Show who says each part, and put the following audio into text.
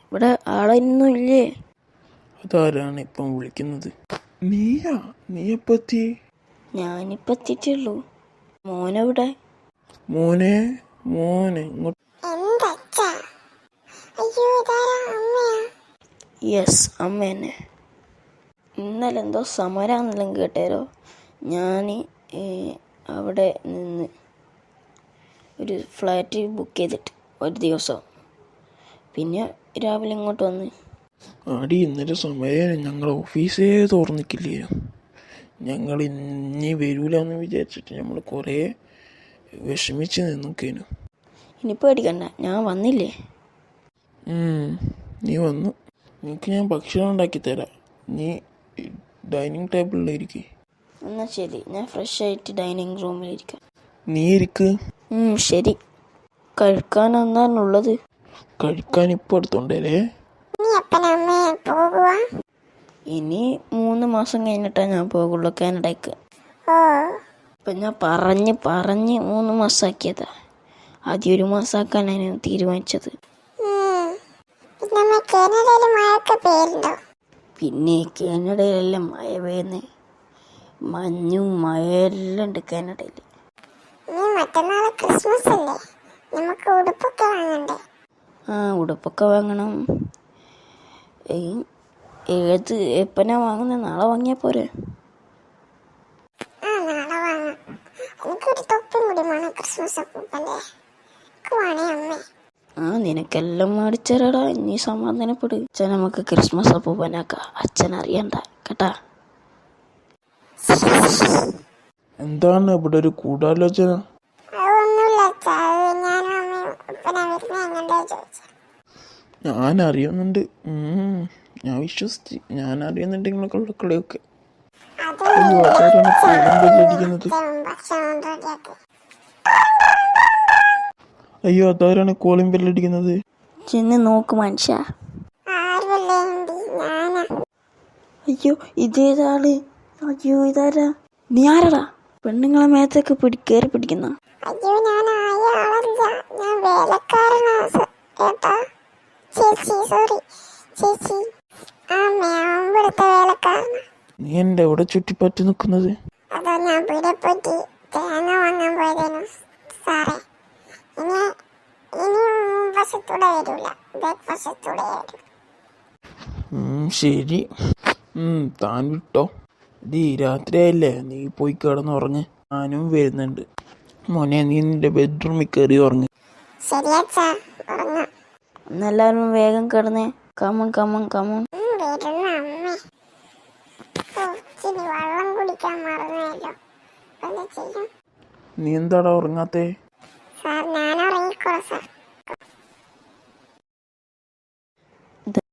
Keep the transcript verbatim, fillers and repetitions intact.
Speaker 1: ഇവിടെ ആളൊന്നും ഇല്ലേ?
Speaker 2: അതാരാണ് ഇപ്പം വിളിക്കുന്നത്? നീയാ? നീ എപ്പോ എത്തി?
Speaker 1: ഞാനിപ്പോ എത്തിയിട്ടുള്ളൂ. മോനെവിടെ?
Speaker 2: മോനെ മോനെ ഇങ്ങോട്ട്.
Speaker 1: യെസ്, അമ്മ തന്നെ. ഇന്നലെ എന്തോ സമരാന്നെല്ലാം കേട്ടേരോ. ഞാൻ അവിടെ നിന്ന് ഒരു ഫ്ലാറ്റ് ബുക്ക് ചെയ്തിട്ട് ഒരു ദിവസം, പിന്നെ രാവിലെ ഇങ്ങോട്ട് വന്ന്.
Speaker 2: ആടി ഇന്നലെ സമയം ഞങ്ങൾ ഓഫീസേ തുറന്നിക്കില്ലേ. ഞങ്ങൾ ഇനി വരൂലെന്ന് വിചാരിച്ചിട്ട് നമ്മൾ കുറേ വിഷമിച്ച് നിന്നൊക്കേനു.
Speaker 1: ഇനി പേടിക്കണ്ട, ഞാൻ വന്നില്ലേ.
Speaker 2: നീ വന്നു. നിനക്ക് ഞാൻ ഭക്ഷണം ഉണ്ടാക്കി തരാം. നീ ഡൈനിങ് ടേബിളിലിരിക്കും.
Speaker 1: എന്നാ ശരി, ഞാൻ ഫ്രഷ് ആയിട്ട് ഡൈനിങ് റൂമിലിരിക്കാം.
Speaker 2: നീ ഇരിക്ക്.
Speaker 1: ശരി. കഴിക്കാൻ എന്നാണുള്ളത്?
Speaker 2: കഴിക്കാൻ ഇപ്പൊ എടുത്തോണ്ടേ.
Speaker 1: ഇനി മൂന്ന് മാസം കഴിഞ്ഞിട്ടാ ഞാൻ പോകുള്ളൂ കാനഡയ്ക്ക്. ഇപ്പൊ ഞാൻ പറഞ്ഞ് പറഞ്ഞ് മൂന്ന് മാസാക്കിയതാ. ആദ്യം ഒരു മാസാക്കാനാണ് തീരുമാനിച്ചത്. പിന്നെ കാനഡയിലെല്ലാം മഴ പെയ്യുന്നേ. മഞ്ഞും മഴയെല്ലാം ഉണ്ട് കാനഡയിൽ. ആ ഉടുപ്പൊക്കെ വാങ്ങണം. ഏത് എപ്പനാ വാങ്ങുന്നത്? നാളെ വാങ്ങിയാ പോരെ? ആ നിനക്കെല്ലാം മേടിച്ചേരാടാ. നീ സമാധാനപ്പെട്. അച്ഛൻ നമുക്ക് ക്രിസ്മസ് അപ്പൂപ്പനാക്കാം. അച്ഛൻ അറിയണ്ട കേട്ടാ.
Speaker 2: എന്താണ് ഇവിടെ ഒരു ഗൂഢാലോചന? ഞാൻ അറിയുന്നുണ്ട്. ഞാൻ വിശ്വസിച്ച്. ഞാൻ അറിയുന്നുണ്ട് നിങ്ങളൊക്കെ കളിയൊക്കെ. അയ്യോ അതാരാണ് കോളിംഗ് ബെല്ലടിക്കുന്നത്? അയ്യോ അതാരാണ് കോളിംഗ് ബെല്ലടിക്കുന്നത്?
Speaker 1: ചെന്ന് നോക്ക് മനുഷ്യ. അയ്യോ ഇതേതാള്? അയ്യോ ഇതാരാ? നീ ആരടാ? പെണ്ണുങ്ങളെ മേത്തൊക്കെ പിടി കയറി പിടിക്കുന്ന?
Speaker 3: അയ്യോ ഞാൻ ആയ ആളല്ല, ഞാൻ വേലക്കാരനാ കേട്ടാ. ചേച്ചി സോറി ചേച്ചി, ആ ഞാൻ ഇവിടുത്തെ വേലക്കാരനാ.
Speaker 2: നീ എന്റെ എവിടെ ചുറ്റിപ്പറ്റി നിൽക്കുന്നത്?
Speaker 3: അതോ ഞാൻ പീടികപ്പറ്റി തേങ്ങ വാങ്ങാൻ പോയതേനു സാറേ. ഇനി ഇനി വശത്തൂടെ വരൂല, ബാക്ക് വശത്തൂടെ വരും.
Speaker 2: ശരി, താൻ വിട്ടോ. ഇത് രാത്രിയായില്ലേ, നീ പോയി കിടന്നുറങ്ങ്. ഞാനും വരുന്നുണ്ട്. മോനെ നീ നിന്റെ ബെഡ്റൂമിൽ കയറി ഉറങ്ങ്.
Speaker 3: ശരി അച്ഛാ, ഉറങ്ങാം.
Speaker 1: എന്നെല്ലാരും വേഗം കിടന്നേ. Come on come on come on.
Speaker 3: വരുന്ന അമ്മേ. ഇച്ചിരി വെള്ളം കുടിക്കാൻ മറന്നല്ലോ. എന്താ ചെയ്യും?
Speaker 2: നീ എന്താടാ ഉറങ്ങാത്തേ?
Speaker 3: സാർ ഞാൻ ഉറങ്ങിക്കോളാം സാർ.